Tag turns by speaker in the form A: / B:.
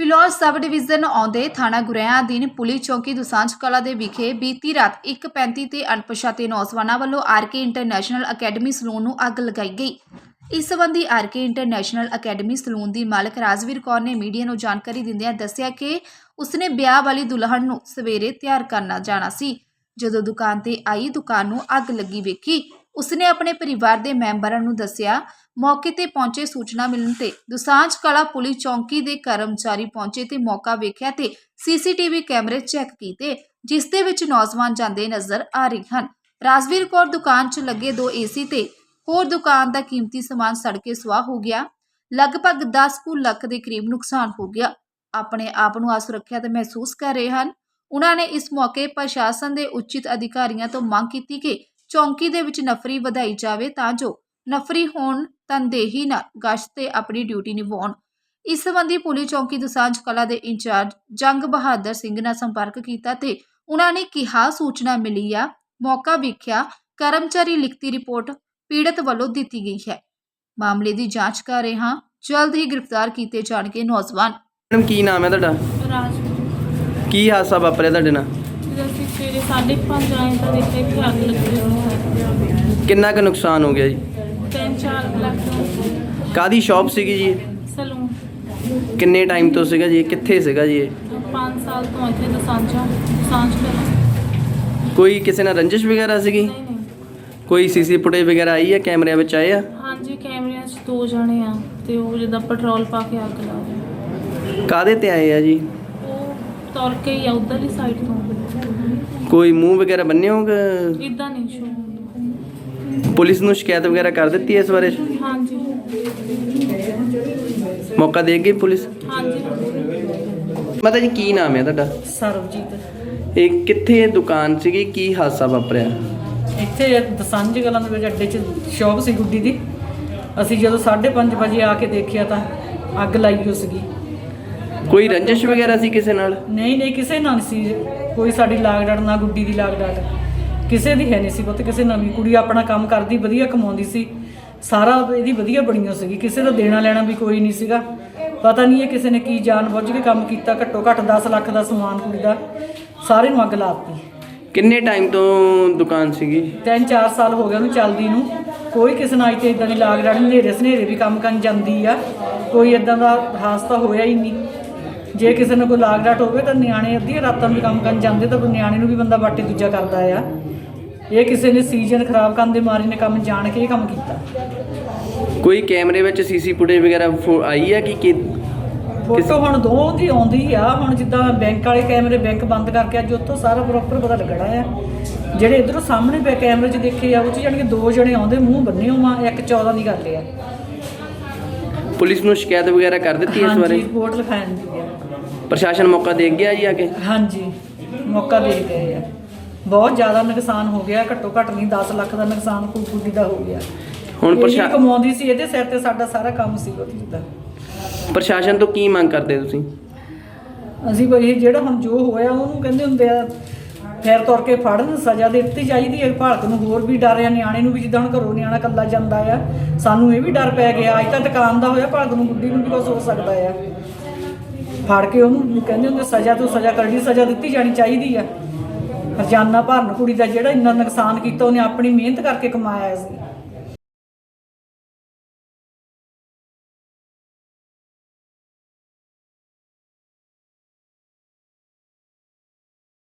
A: Phillaur sub division ਆਉਂਦੇ ਥਾਣਾ ਗੁਰੇਆਂ ਅਧੀਨ ਪੁਲਿਸ ਚੌਕੀ ਦੁਸਾਂਝ ਕਲਾਂ ਦੇ ਵਿਖੇ ਬੀਤੀ ਰਾਤ 1:35 ਤੇ ਅਣਪਛਾਤੇ ਨੌਜਵਾਨਾਂ ਵੱਲੋਂ ਆਰਕੇ ਇੰਟਰਨੈਸ਼ਨਲ ਅਕੈਡਮੀ ਸਲੂਨ ਨੂੰ ਅੱਗ ਲਗਾਈ ਗਈ। ਇਸ ਸੰਬੰਧੀ ਆਰਕੇ ਇੰਟਰਨੈਸ਼ਨਲ ਅਕੈਡਮੀ ਸਲੂਨ ਦੀ ਮਾਲਕ ਰਾਜਵੀਰ ਕੌਰ ਨੇ ਮੀਡੀਆ ਨੂੰ ਜਾਣਕਾਰੀ ਦਿੰਦਿਆਂ ਦੱਸਿਆ ਕਿ ਉਸਨੇ ਵਿਆਹ ਵਾਲੀ ਦੁਲਹਨ ਨੂੰ ਸਵੇਰੇ ਤਿਆਰ ਕਰਨਾ ਜਾਣਾ ਸੀ। ਜਦੋਂ ਦੁਕਾਨ ਤੇ ਆਈ ਦੁਕਾਨ ਨੂੰ ਅੱਗ ਲੱਗੀ ਵੇਖੀ। ਉਸਨੇ ਆਪਣੇ ਪਰਿਵਾਰ ਦੇ ਮੈਂਬਰਾਂ ਨੂੰ ਦੱਸਿਆ। मौके ते पहुंचे सूचना मिलने ते दुसांझ कला पुलिस चौकी के कर्मचारी पहुंचे ते मौका वेख्या ते CCTV कैमरे चैक किए जिस दे विच नौजवान जांदे नजर आ रहे हैं। राजवीर कौर दुकान च लगे 2 AC ते होर दुकान का कीमती समान सड़ के सुआह हो गया। लगभग 10 लाख के करीब नुकसान हो गया। अपने आप नूं असुरक्षित महसूस कर रहे हैं। उन्होंने इस मौके प्रशासन के उचित अधिकारियों तो मांग की कि चौकी दे विच नफरी वधाई जाए तां जो नफरी होण तनदेही नाल गश्त ते अपनी ड्यूटी निभाउण। इस संबंधी पुलिस चौकी दुसांझ कला के इंचार्ज जंग बहादुर सिंह नाल संपर्क किया ते उन्होंने कहा सूचना मिली आ मौका वेख्या कर्मचारी लिखती रिपोर्ट पीड़ित वालों दी गई है। मामले की जांच कर रहे हैं। जल्द ही गिरफ्तार किए जाएंगे नौजवान।
B: मैडम की नाम है तुहाडा?
C: राज
B: की हादसा वापरिया तुहाडे नाल?
C: ਅਸੀਂ ਸਵੇਰੇ 5:30 ਆਏ ਤਾਂ ਦੇਖਿਆ ਕਿ ਅੱਗ ਲੱਗੀ ਹੋਈ।
B: किन्ना का नुकसान हो गया जी?
C: 3-4 ਲੱਖ।
B: कादी शॉप सीगी जी?
C: ਸਲੂਨ।
B: किन्ने टाइम तो सीगा जी? कित्थे सीगा जी?
C: 5 ਸਾਲ ਤੋਂ ਇੱਥੇ ਦਸਾਂਝ ਕਲਾਂ।
B: कोई किसी नाल रंजिश वगैरह सीगी?
C: ਨਹੀਂ
B: कोई CC फुटेज वगैरह आई है कैमरे ਵਿੱਚ ਆਏ ਆ?
C: ਹਾਂਜੀ ਕੈਮਰਿਆਂ 'ਚ 2 ਜਣੇ ਆ ਤੇ ਉਹ ਜਿੱਦਾਂ ਪੈਟਰੋਲ ਪਾ ਕੇ ਅੱਗ ਲਾ ਰਹੇ।
B: ਕਾਦੇ ਤੇ ਆਏ ਆ ਜੀ?
C: ਉਹ ਤੁਰ ਕੇ ਹੀ ਆ ਉਧਰਲੀ ਸਾਈਡ ਤੋਂ।
B: ਕੋਈ ਮੂੰਹ ਵਗੈਰਾ ਬੰਨੇ ਹੋਗੇ?
C: ਇਦਾਂ ਨਹੀਂ ਸ਼ੋ।
B: ਪੁਲਿਸ ਨੂੰ ਸ਼ਿਕਾਇਤ ਵਗੈਰਾ ਕਰ ਦਿੱਤੀ ਹੈ ਇਸ ਬਾਰੇ?
C: ਹਾਂਜੀ
B: ਮੌਕਾ ਦੇ ਗਈ ਪੁਲਿਸ?
C: ਹਾਂਜੀ।
B: ਮਾਤਾ ਜੀ ਕੀ ਨਾਮ ਹੈ ਤੁਹਾਡਾ?
D: ਸਰਬਜੀਤ।
B: ਇਹ ਕਿੱਥੇ ਦੁਕਾਨ ਸੀਗੀ, ਕੀ ਹਾਦਸਾ ਵਾਪਰਿਆ?
D: ਇੱਥੇ ਦਸਾਂਝ ਕਲਾਂ ਦੇ ਵਿੱਚ ਅੱਡੇ 'ਚ ਸ਼ੌਪ ਸੀ ਗੁੱਡੀ ਦੀ। ਅਸੀਂ ਜਦੋਂ 5:30 ਵਜੇ ਆ ਕੇ ਦੇਖਿਆ ਤਾਂ ਅੱਗ ਲਾਈ ਹੋਈ ਸੀਗੀ।
B: ਕੋਈ ਰੰਜਿਸ਼ ਵਗੈਰਾ ਸੀ ਕਿਸੇ ਨਾਲ?
D: ਨਹੀਂ ਕਿਸੇ ਨਾਲ ਨਹੀਂ ਸੀ। ਕੋਈ ਸਾਡੀ ਲਾਗ ਡਾਟ ਨਾ ਗੁੱਡੀ ਦੀ ਲਾਗ ਡਾਟ ਕਿਸੇ ਦੀ ਹੈ ਨਹੀਂ ਸੀ। ਪੁੱਤ ਕਿਸੇ ਨਾਲ ਵੀ ਕੁੜੀ ਆਪਣਾ ਕੰਮ ਕਰਦੀ ਵਧੀਆ ਕਮਾਉਂਦੀ ਸੀ। ਸਾਰਾ ਇਹਦੀ ਵਧੀਆ ਬਣੀ ਹੋ ਸੀਗੀ। ਕਿਸੇ ਦਾ ਦੇਣਾ ਲੈਣਾ ਵੀ ਕੋਈ ਨਹੀਂ ਸੀਗਾ। ਪਤਾ ਨਹੀਂ ਇਹ ਕਿਸੇ ਨੇ ਕੀ ਜਾਣ ਬੁੱਝ ਕੇ ਕੰਮ ਕੀਤਾ। ਘੱਟੋ ਘੱਟ 10 ਲੱਖ ਦਾ ਸਮਾਨ ਕੁੜੀ ਦਾ ਸਾਰੇ ਨੂੰ ਅੱਗ ਲਾਤੀ।
B: ਕਿੰਨੇ ਟਾਈਮ ਤੋਂ ਦੁਕਾਨ ਸੀਗੀ?
D: 3-4 ਸਾਲ ਹੋ ਗਏ ਉਹਨੂੰ ਚੱਲਦੀ ਨੂੰ। ਕੋਈ ਕਿਸੇ ਨਾਲ ਇੱਥੇ ਇਦਾਂ ਦੀ ਲਾਗ ਡਾਟ ਹਨੇਰੇ ਸਨੇਰੇ ਵੀ ਕੰਮ ਕਰਨ ਜਾਂਦੀ ਆ। ਕੋਈ ਇਦਾਂ ਦਾ ਹਾਦਸਾ ਹੋਇਆ ਹੀ ਨਹੀਂ। ਜੇ ਕਿਸੇ ਨੂੰ ਕੋਈ ਲਾਗ ਡਾਟ ਹੋਵੇ ਤਾਂ ਨਿਆਣੇ ਅੱਧੀਆਂ ਰਾਤਾਂ ਨੂੰ ਕੰਮ ਕਰਨ ਜਾਂਦੇ ਤਾਂ ਨਿਆਣੇ ਨੂੰ ਵੀ ਬੰਦਾ ਬਾਟੇ ਦੂਜਾ ਕਰਦਾ ਆ। ਇਹ ਕਿਸੇ ਨੇ ਸੀਜ਼ਨ ਖਰਾਬ ਕਰਨ ਦੇ ਮਾਰੇ ਨੇ ਕੰਮ ਜਾਣ ਕੇ ਇਹ ਕੰਮ ਕੀਤਾ।
B: ਕੋਈ ਕੈਮਰੇ ਵਿੱਚ CC ਫੁਟੇਜ ਵਗੈਰਾ ਆਈ ਹੈ ਕਿ
D: ਫੋਟੋ ਹੁਣ ਦੋ ਦੀ ਆਉਂਦੀ ਆ। ਹੁਣ ਜਿੱਦਾਂ ਬੈਂਕ ਵਾਲੇ ਕੈਮਰੇ ਬੈਂਕ ਬੰਦ ਕਰਕੇ ਅੱਜ ਉੱਥੋਂ ਸਾਰਾ ਪ੍ਰੋਪਰ ਪਤਾ ਲੱਗਣਾ ਆ। ਜਿਹੜੇ ਇੱਧਰੋਂ ਸਾਹਮਣੇ ਪਏ ਕੈਮਰੇ 'ਚ ਦੇਖੇ ਆ ਉਹ 'ਚ ਜਾਣੀ ਕਿ 2 ਜਣੇ ਆਉਂਦੇ ਮੂੰਹ ਬੰਨੇ ਹੋਵਾਂ। 1-14 ਦੀ ਗੱਲ ਆ।
B: ਪੁਲਿਸ ਨੂੰ ਸ਼ਿਕਾਇਤ ਵਗੈਰਾ ਕਰ ਦਿੱਤੀ ਇਸ ਬਾਰੇ?
D: ਰਿਪੋਰਟ ਲਿਖਾਈ ਜਾਂਦੀ ਆ।
B: ਪ੍ਰਸ਼ਾਸਨ ਮੌਕਾ ਦੇ ਗਿਆ ਜੀ ਆ ਕੇ?
D: ਹਾਂਜੀ ਮੌਕਾ ਦੇ ਗਏ ਆ। ਬਹੁਤ ਜ਼ਿਆਦਾ ਨੁਕਸਾਨ ਹੋ ਗਿਆ। ਘੱਟੋ ਘੱਟ ਨਹੀਂ 10 ਲੱਖ ਦਾ ਨੁਕਸਾਨ ਕੁੜੀ ਦਾ ਹੋ ਗਿਆ। ਹੁਣ ਪ੍ਰਸ਼ਾਸਨ ਕਮਾਉਂਦੀ ਸੀ ਇਹਦੇ ਸਿਰ ਤੇ ਸਾਡਾ ਸਾਰਾ ਕੰਮ ਸੀ ਉਹਦੀ ਦਾ।
B: ਪ੍ਰਸ਼ਾਸਨ ਤੋਂ ਕੀ ਮੰਗ ਕਰਦੇ ਤੁਸੀਂ?
D: ਅਸੀਂ ਬਈ ਜਿਹੜਾ ਹੁਣ ਜੋ ਹੋਇਆ ਉਹਨੂੰ ਕਹਿੰਦੇ ਹੁੰਦੇ ਆ ਫੇਰ ਤੁਰ ਕੇ ਫੜਨ ਸਜ਼ਾ ਦਿੱਤੀ ਚਾਹੀਦੀ ਹੈ। ਭਾਰਤ ਨੂੰ ਹੋਰ ਵੀ ਡਰ ਆ। ਨਿਆਣੇ ਨੂੰ ਵੀ ਜਿੱਦਾਂ ਹੁਣ ਘਰੋਂ ਨਿਆਣਾ ਇਕੱਲਾ ਜਾਂਦਾ ਆ ਸਾਨੂੰ ਇਹ ਵੀ ਡਰ ਪੈ ਗਿਆ। ਅੱਜ ਤਾਂ ਦੁਕਾਨ ਦਾ ਹੋਇਆ ਭਾਰਤ ਨੂੰ ਗੁੱਡੀ ਨੂੰ ਵੀ ਕੁਛ ਹੋ ਸਕਦਾ ਆ। ਫੜ ਕੇ ਉਹਨੂੰ ਕਹਿੰਦੇ ਹੁੰਦੇ ਸਜ਼ਾ ਤੋਂ ਸਜ਼ਾ ਕਰਨੀ ਸਜ਼ਾ ਦਿੱਤੀ ਜਾਣੀ ਚਾਹੀਦੀ ਆ। ਹਰਜਾਨਾ ਭਰਨ ਕੁੜੀ ਦਾ ਜਿਹੜਾ ਇੰਨਾ ਨੁਕਸਾਨ ਕੀਤਾ ਉਹਨੇ ਆਪਣੀ ਮਿਹਨਤ ਕਰਕੇ ਕਮਾਇਆ ਸੀ।